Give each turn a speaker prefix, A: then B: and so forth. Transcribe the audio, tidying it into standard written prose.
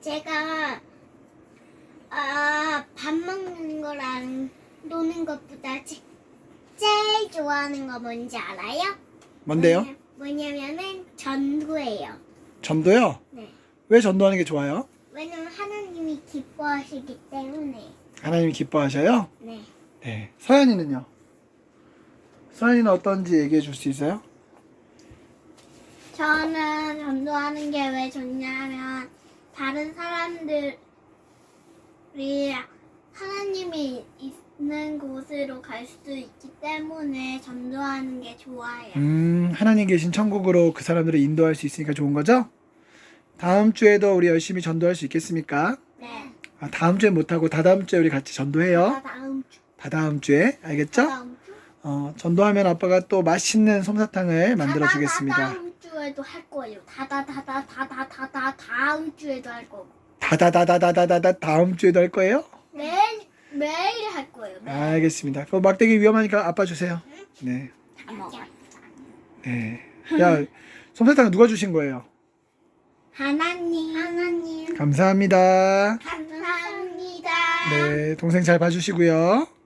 A: 제가 밥 먹는 거랑 노는 것보다 제일 좋아하는 거 뭔지 알아요?
B: 뭔데요?
A: 뭐냐면은 전도예요.
B: 전도요?
A: 네.
B: 왜 전도하는 게 좋아요?
A: 왜냐면 하나님이 기뻐하시기 때문에.
B: 하나님이 기뻐하셔요?
A: 네.
B: 네. 서연이는요? 서연이는 어떤지 얘기해 줄 수 있어요?
A: 저는 전도하는 게 왜 좋냐면 다른 사람들이 하나님이 있는 곳으로 갈 수도 있기 때문에 전도하는 게 좋아요.
B: 하나님 계신 천국으로 그 사람들을 인도할 수 있으니까 좋은 거죠? 다음 주에도 우리 열심히 전도할 수 있겠습니까?
A: 네.
B: 다음 주에 못하고 다다음 주에 우리 같이 전도해요.
A: 다음 주.
B: 다다음 주에 알겠죠?
A: 다음 주?
B: 전도하면 아빠가 또 맛있는 솜사탕을 만들어 주겠습니다.
A: 다음 주에도 할 거예요. 다음 주에도 할 거고.
B: 다음 주에도 할 거예요?
A: 매일 할 거예요. 매일.
B: 알겠습니다. 그럼 막대기 위험하니까 아빠 주세요. 네.
A: 다 먹어.
B: 네. 야, 솜사탕 누가 주신 거예요?
A: 하나님.
B: 감사합니다.
A: 감사합니다.
B: 네, 동생 잘 봐주시고요.